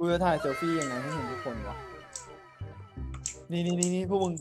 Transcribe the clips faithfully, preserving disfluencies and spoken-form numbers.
จะถ่ายเซลฟี่ยังไงให้เห็นทุกคนวะนี่นี่นี่นี่พวกมึง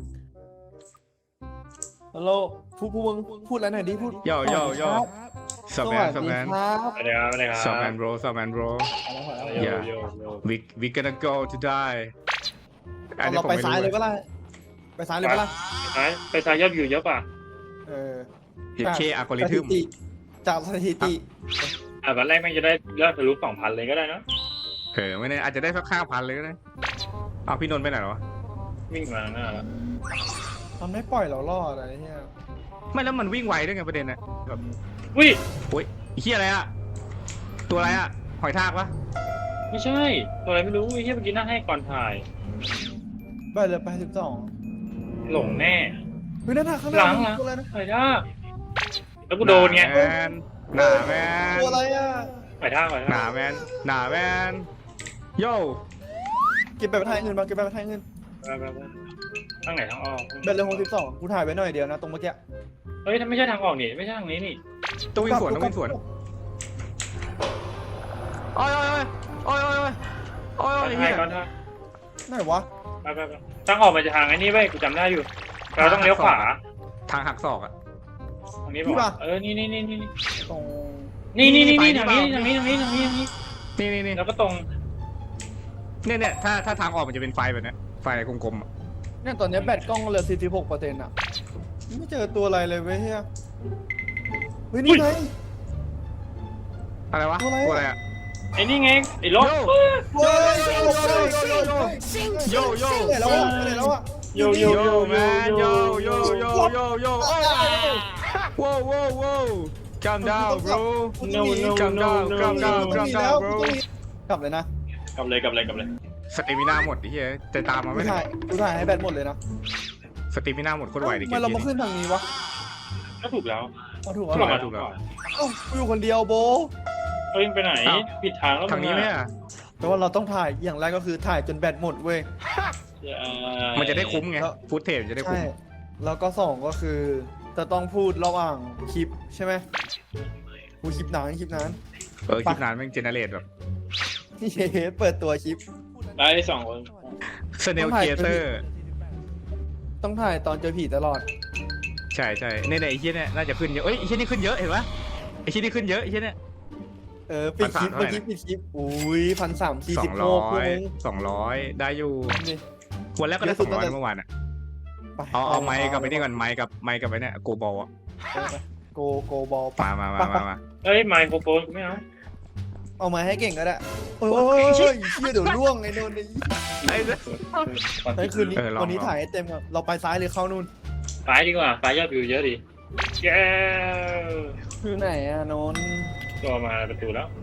ฮัลโหลพูดพวกมึงพูดอะไรหน่อยดิพูดโย่โย่โย่ส Sup วั man ส Sup ดี man ครับสวัสดีครับสวัสดีครับ Sup man bro Sup man bro โย Yeah โยโย we we gonna go to die อันนี้เราผมไปไม่ซ้ายรู้เลยก็ได้ไปซ้ายเลยก็ได้ไปไปซ้ายยอดวิวเยอะป่ะเออเดี๋ยวเคอัลกอริสทึถิมติจากสถิติอ่ะวันแรกแม่งจะได้ยอดทะลุสองพันเลยก็ได้นะเออไม่แน่อาจจะได้สักห้าพันเลยก็ได้เอาพี่นนท์ไปไหนหรอวิ่งมาหน้าแล้วมันไม่ปล่อยเรารอดอะไรเนี่ยไม่แล้วมันวิ่งไวด้วยไงประเด็นน่ะแบบอุ้ยโอ้ยไอ้เหี้ยอะไรอะตัวอะไรอะหอยทากปะไม่ใช่ตัวอะไรไม่รู้ไอ้เหี้ยเมื่อกี้นั่งให้ก่อนถ่ายไปเลยไปสิบสองหลงแน่เฮ้ยนั่นน่ะข้างหหลัน้างหลังตัวอะไรนะถ่ายท่าแล้วกูโดนไงหาแมนหนาแมนตัวอะไรอ่ะถ่ายท่าถ่ายหนาท่าแมนหนาแมนโย่เก็บไปไปทางเงินมาเก็บไปไปทางเงินไปไปไปทางไหนทางออกเบ็ดเลยหกสิบสองกูถ่ายไว้หน่อยเดียวนะตรงเมื่อกี้เฮ้ยถ้าไม่ใช่ทางออกนี่ไม่ใช่ทางนี้นี่ต้องวิ่งสวนต้องวิ่งสวนโอ้ยโอ้ยโอ้ยโอ้ยโอ้ยโอ้ยโอ้ยก่อนไอ้ถ่าเหี้ยยก่อนถ่ายไหนวะไปไปไปทางออกมันจะทางไอ้นี่เว้ยกูจำได้อยู่ เราต้องเลี้ยวขวาทางหักศอกอะทางนี้บอกเออนี่นี่นี่นี่ตรงนี่นี่นี่นี่ทางนี้ทางนี้ทางนี้ทางนี้ทางนี้นี่นี่นี่แล้วก็ตรงเนี่ยเนี่ยถ้าถ้าทางออกมันจะเป็นไฟแบบเนี้ยไฟกลมๆอะเนี่ยตอนนี้แบตกล้องเหลือสี่สิบหกเปอร์เซ็นต์อ่ะไม่เจอตัวอะไรเลยเว้ยเฮียเฮ้ยนี่ไงอะไรวะตัวอะไรอะตัวอะไรอะไอ้นี่ไงไอ้รถเฮ้ยโยโยโยไหนแล้วอ่ะไหนแล้วอ่ะโยโยโยแมนโยโยโยโยโยโอ้ว้าวว้าวว้าว calm down bro no no calm no down no calm down ต้อง calm มีแล้ว down bro กลับเลยนะกลับเลยกลับเลยกลับเลยสเตมินาหมดไอ้เหี้ยแต่ตามมากูไม่ทัถ่ายนกูถ่ายให้แบตหมดเลยนะสเตมินาหมดโคตรไวดิเกทำไมมเรามานี้ขึ้นทางนี้วะก็ถูกแล้วเอาถูกถูเอากเหรแล้อวถูกแล้วเอ้ากูอยู่คนเดียวโบเฮ้ยไปไหนผิดทางแล้วทางนี้ไหมอะแต่ว่าเราต้องถ่ายอย่างแรกก็คือถ่ายจนแบตหมดเว้ยมันจะได้คุ้มไงฟุตเทจจะได้คุ้ใช่มแล้วก็สองก็คือจะต้องพูดระหว่างคลิปใช่ไหมกูคลิปนานคลิปนานเออคลิปนานแม่งเจเนเรตแบบเฮ้เปิดตัวคลิปได้สองคนสเนลเกเตอร์ต้องถ่ายตอนเจอผีตลอดใช่ใช่เนี่ยเนี่ยไอ้เหี้ยเนี่ยน่าจะขึ้นเยอะเอ้ยไอ้เหี้ยนี่ขึ้นเยอะเห็นปะไอ้เหี้ยนี่ขึ้นเยอะไอ้เหี้ยเนี่ยเออปิดคลิปพันเมื่อสามกี้ปิดคลิปอุ้ยพันสามสี่สอสิบงโลร้อพวกยมึงสองร้อยได้อยู่นี่วันแรกก็ได้สองร้อยเมื่อวานอ่ะไปเอาเอาไม้กับไอ้นี่ก่อนไม้กับไม้กับไอ้เนี่ยโกบอลอ่ะโกโกบอลมามามามามาเฮ้ยไมโครโฟนไม่เอาเอามาให้เก่งก็ได้โอ้ยเชี่ยเดี๋ยวล่วงไอ้โนนนี่ไอ้เนี่ยไอ้คืนนี้เออลองวันนี้ลองถ่ายให้เต็มครับเราไปซ้ายหรือเข้านู่นไปดีกว่าไปยอดวิวเยอะดิแย่คือไหนอะโนนตัวมาประตูแล้ว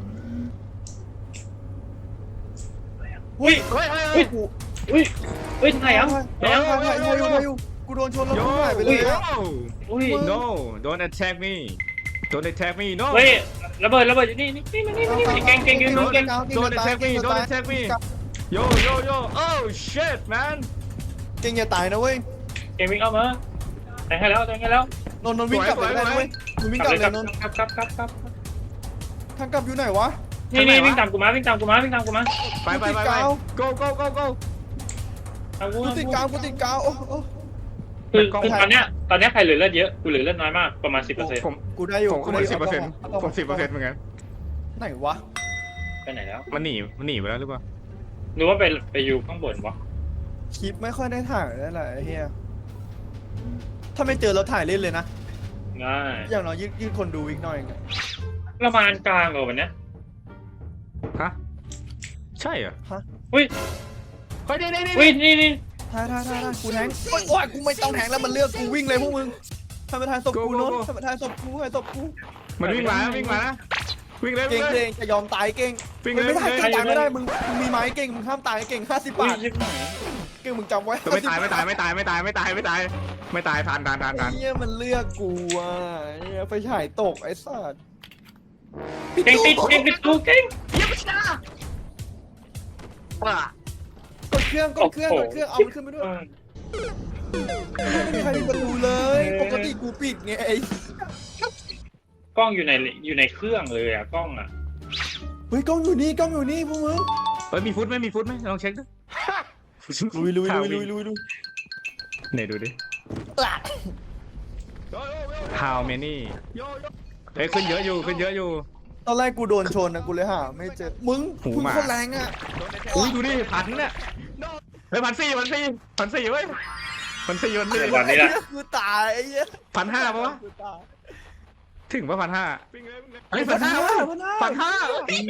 อุ้ยเฮ้ยเฮ้ยเฮ้เฮ้ยยกูอุ้ยอุ้ยถ่ายยังถ่ายถ่ายถ่ายถ่ายอยู่ถ่ายอยู่กูโดนชนแล้วโยกูหายไปเลยอะอุ้ย no don't attack me don't attack me no เฮ้ยระเบิดระเบิดอยู่นี่นี่นี่นี่นี่เก่งเก่งเก่งเก่ง don't attack me don't attack me yo yo yo oh shit man เก่งอย่าตายนะเว้ยเก่งวิ่งเอามาแทงให้แล้วแทงให้แล้วนนท์นนท์วิ่งกลับเลยได้นะเว้ยมึงวิ่งกลับเลยนนท์ครับครับครับครับทางกลับอยู่ไหนวะนี่นี่วิ่งตามกูมาวิ่งตามกูมาวิ่งตามกูมาไปไปไปไป go go go go ตามกูกูติดกาวกูติดกาวโอ้โอ้คือคือตอนเนี้ยตอนเนี้ยใครเหลือเลือดเยอะกูเหลือเลือดน้อยมากประมาณสิบเปอร์เซ็นต์ผมกูได้อยู่ผมก็เหมือนสิบเปอร์เซ็นต์าาผมสิบเปอร์เซ็นต์เหมือนกันไหนวะไปไหนแล้วมันหนีมันหนีไปแล้วหรือเปล่าหรือว่าไปไปอยู่ข้างบนวะคลิปไม่ค่อยได้ถ่ายได้แหละไอ้เหี้ยถ้าไม่เจอเราถ่ายเล่นเลยนะง่ายอย่างน้อยยืดยืดคนดูอีกหน่อยไงประมาณกลางเหรอวันเนี้ยฮะใช่เหรอฮะอุ้ยไปนี่นี่นี่อุ้ยนี่นี่ถ่ายถ่ายถ่ายถ่ายกูแทงโอ๊ยโอ้ยกูไม่ต้องแทงแล้วมันเลือกกูวิ่งเลยพวกมึงทำมาถ่ายศพกูโน้นทำมาถ่ายศพกูถ่ายศพกูมันวิ่งมาวิ่งมานะวิ่งเลยเก่วิ่งงเลเก่ยงจะยอมตายเก่งวิ่งไม่เลยได้เก่งตายไม่ได้มึงมึงมีไม้เก่งมึงห้ามตายเก่งห้าสิบอุ้ยบาทยิบหน่อยเก่งมึงจำไว้ไม่ตายไม่ตายไม่ตายไม่ตายไม่ตายไม่ตายไม่ตายทันทันทันทันไอ้เหี้ยมันเลือกกูอ่ะไอ้เหี้ยไฟฉายตกไอ้สัสเก่งติดเก่งติดกูเก่งกดเครื่องกดเครื่องกดเครื่องเอามันขึ้นไปด้วยไม่มีใครมีประตูเลยปกติกูปิดไงไอ้กล้องอยู่ในอยู่ในเครื่องเลยอะกล้องอะเฮ้ยกล้องอยู่นี่กล้องอยู่นี่พวกมึงเฮ้ยมีฟุตไหมมีฟุตไหมลองเช็คดูลุยลุยลุยลุยลุยลุยไหนดูดิ how many เฮ้ยขึ้นเยอะอยู่ขึ้นเยอะอยู่ตอนแรกกูโดนชนนะกูเลยหาไม่เจอมึงหูมึงหมาโคนแรงอ่ะอุ้ยดูดิพันเนี่ยเฮ้ยพันสี่พันสี่พันสี่เว้ยพันสี่พันสี่ตอนนี้แหละกูตายไอ้เหี้ยพันห้าปะวะกูตายถึงปะพันห้าเฮ้ยพันห้าเว้ยพันห้า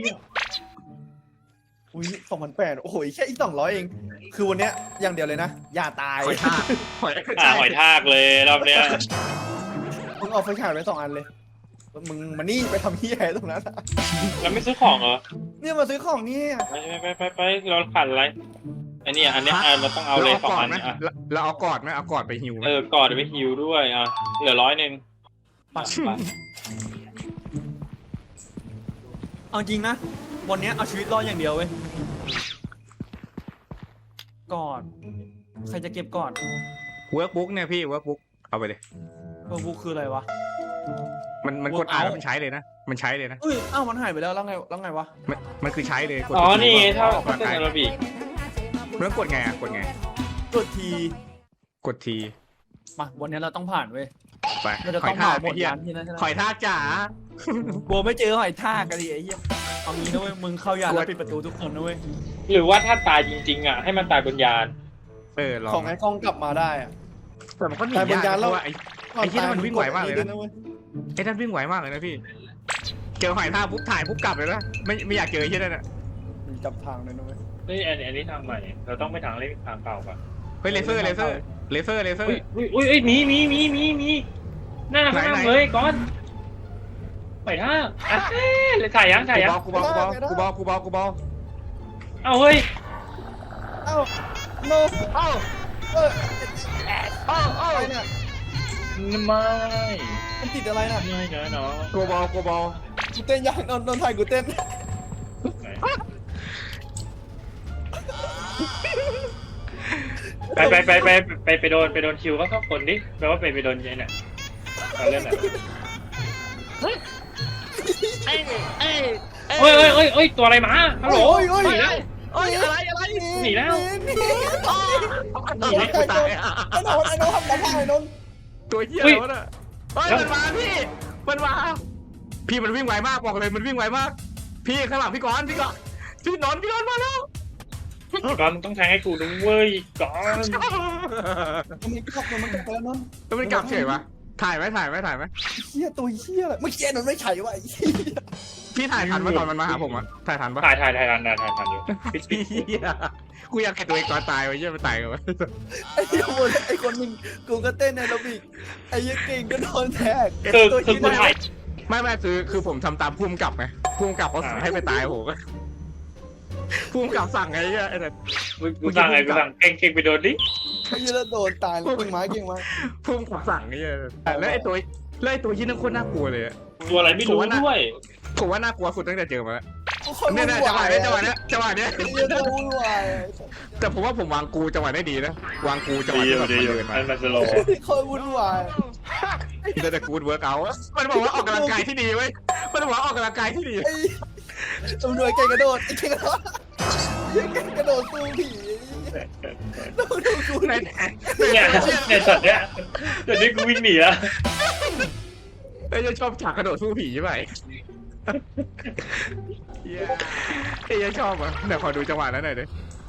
อุ้ยสองพันแปดโอ้โหแค่อีกสองร้อยเอง คือวันเนี้ยอย่างเดียวเลยนะ อย่าตายหอยทากหอยอ่าหอยทากเลยรอบเนี้ยมึงเอาไฟฉายไว้สองอันเลย มึงมานี่ไปทำเหี้ยอะไรตรงนั้นอะแล้วไม่ซื้อของเหรอเนี่ยมาซื้อของนี่ไปไปไปไปเราขาดอะไรอันนี้อันนี้อ่ะเราต้องเอาเลยสองอันไหมอ่ะเราเอากอดไหมเอากอดไปหิวไหมเออกอดไปฮิวด้วยอ่ะเหลือร้อยหนึ่งเอาจริงนะ วันเนี้ยเอาชีวิตรอดอย่างเดียวเว้ยก่อน ใครจะเก็บก่อนเวิร์กบุ๊กเนี่ยพี่เวิร์กบุ๊กเอาไปเลยเออบุ๊คคืออะไรวะมันมันกดอ่านแล้วมันใช้เลยนะมันใช้เลยนะเอ้ยอ้าวมันหายไปแล้วแล้วไงแล้วไงวะมันมันคือใช้เลยกดอ๋อนี่เท่าออกเท่ากำลังเต้นกายแอโรบิกแล้วกดไงอ่ะกดไงกดทีกดทีมาวันนี้เราต้องผ่านเว้ยไปเราจะหต้ออย งทาเผาก หมไอ้ดเหี้ยร้านที่นั่นใช่ไหมหอยทากจ๋ากลัวไม่เจอหอยทากกันดิไอ้เหี้ยเอางี้นะเว้ยมึงเข้ายานแล้วปิดประตูทุกคนนะเว้ยหรือว่าถ้าตายจริงๆอ่ะให้มันตายบนยานเออลองของไอ้กล้องกลับมาได้อะแต่มันก็หนีตายบนยากยานเพแล้วราะว่าไอ้ไอ้ที่นั่นมันวิ่งไหวมากเลยนะว้ไอ้นั่นวิ่งไหวมากเลยนะพี่เจอหอยทากปุ๊บถ่ายปุ๊บกลับเลยนะไม่ไม่อยากเจอไอ้ที่นั่นอ่ะมันจับทางเลยนะเว้ยเฮ้ยอันนี้อันนี้ทางใหม่เราต้องไปทางเล่นทางเก่าป่ะเฮ้ยเลเซอร์เลเซอร์เลเซอร์เลเซอร์อุ้ยอุ้ยอุ้ยอุ้ยมีมีมีมีมีหน้าข้างไหนเลยก้อนหอยทากอ่ะเอ๊ะเลยถ่ายยังถ่ายยังกูบอลกูบอลกูบอลกูบอลกูบอลเอาเฮ้ยเอ้าโนเอ้าเออเอ้าเอ้าอะไรเนี่ยไม่มันติดอะไรน่ะไม่นะเนาะกูบอลกูบอลกูเต้นยังนอนนอนถ่ายกูเต้นไปไปไปไปไปไปโดนไปโดนคิวก็เข้าคนดิแปลว่าไปไปโดนยัยเนี่ยเราเล่นอะไรเฮ้ยเอ้ยเอ้ยเอ้ยเอ้ยเอ้ยตัวอะไรมาฮัลโหลโอ้ยโอ้ยหนีแล้วโอ้ยอะไรอะไรหนีแล้วหนีหนีแล้วกูตายอ่ะไอ้นนท์ไอ้นนท์ทำอะไรไอ้นนท์ตัวเหี้ยแล้วน่ะเฮ้ยมันมาพี่มันมาพี่มันวิ่งไวมากบอกเลยมันวิ่งไวมาก พี่ข้างหลังพี่กอนพี่กอนพี่นอนพี่นอนมาแล้วก่อนมึงต้องแทงให้กูด้วยก่อนมันกลับมันกลับไปแล้วนนท์แล้วมันกลับเฉยวะถ่ายไหมถ่ายไหมถ่ายไหมเหี้ยตัวเหี้ยอะไรเมื่อกี้นนท์ไม่ใช่วะไอ้เหี้ยพี่ถ่ายทันปะตอนมันมาหาผมอะถ่ายทันปะถ่ายถ่ายถ่ายทันถ่ายถ่ายทันอยู่ปิดปิดเหี้ยกูอยากเห็นตัวเองก่อนตายไว้เหี้ยมันตายกันวะไอ้เหี้ยคนไอ้คนหนึ่งกูก็เต้นในระบิกไอ้เหี้ยเก่งก็โดนแทกคือตัวคือเหี้ยกูถ่ายไม่ไม่คือคือผมทำตามพุ่มกลับไงพุ่มกลับเขาสั่งให้ไปตายโหก็พุ่มกลับสั่งไงเหี้ยไอ้แต่กูสั่งไงกูสั่งเก่งเก่งไปโดนดิไอ้เหี้ยแล้วโดนตายแล้วเก่งไม้เก่งไม้พุ่มกลับสั่งไงเหี้ยแล้วไอ้ตัวแล้วไอ้ตัวยี่นั่นโคตรน่ากลัวเลยอะตัวอะไรไม่รู้ด้วยผมว่าน่ากลัวสุดตั้งแต่เจอมาแล้วคนเนี่ยวุ่เนี่ยนจังหวะวายเนี้ยจังหวะเนี้ยจังหวะเนี้ยไอ้เหี้ยตัววุ่นวายแต่ผมว่าผมวางกูจังหวะได้ดีนะวางกูจังหวะดีที่อแบยู่บดีอยู่มันเดินมามันมันสโลว์คนวุ่นวายแต่แต่กูดเวิร์กเอามันบอกว่าออกกำลังกายที่ดีเว้ยมันบอกว่าออกกำลังกายที่ดีไอ้ตำรวจเก่งกระโดดไอ้เก่งกระโดดเก่งกระโดดสู้ผีดูดูกูในเนี่ยเนี่ยช็อตเนี้ยช็อตนี้กูวิ่งหนีแล้วไอ้ยังชอบฉากกระโดดสู้ผีใช่ไหมเย้ไอ้ยังชอบอ่ะเดี๋ยวขอดูจังหวะนั้นหน่อยดิ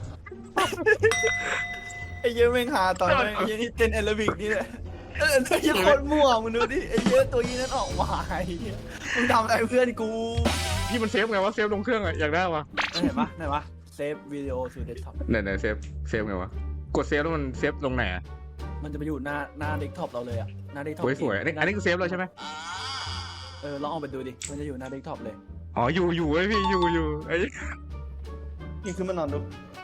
ไอ้เหี้ยแม่งหาตอนแม่งไอ้เหี้ยนี่เต้นแอโรบิกนี่แหละเออไอ้เหี้ยโคตรมั่วมึงดูดิไอ้เหี้ยตัวนี้นั่นออกมาไอ้เหี้ยมึงทำอะไรเพื่อนกูพี่มันเซฟไงวะเซฟลงเครื่องอะอยากได้วะเห็นปะไหนวะเซฟวิดีโอสู่เดสก์ท็อปไหนไหนเซฟเซฟไงวะกดเซฟแล้วมันเซฟลงไหนอะมันจะไปอยู่หน้าหน้าเดสก์ท็อปเราเลยอะหน้าเดสก์ท็อปโอ้ยสวยอันนี้อันนี้คือเซฟแล้วใช่ไหมเออลองเอาไปดูดิมันจะอยู่หน้าเดสก์ท็อปเลยอ๋ออยู่อยู่เว้ยพี่อยู่อยู่ไอ้นี่ขึ้นมานอนดู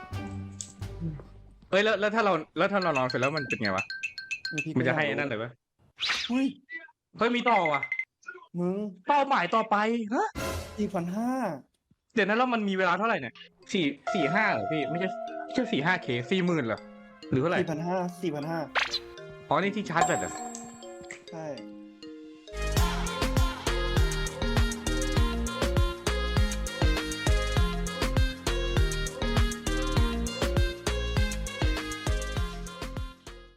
เอ้ยแล้วแล้วถ้าเราแล้วถ้าเรานอนเสร็จแล้วมันเป็นไงวะพี่มันจะให้นั่นเลยปะเฮ้ยเฮ้ยมีต่อว่ะมึงเป้าหมายต่อไปฮะสี่พันห้าเดี๋ยวนั้นแล้วมันมีเวลาเท่าไหร่เนี่ยสี่สี่ห้าเหรอพี่ไม่ใช่ไม่ใช่สี่ห้าเคสี่หมื่นเหรอหรือเท่าไหร่สี่พันห้าสี่พันห้าอ๋อนี่ที่ชาร์จแบตเหรอใช่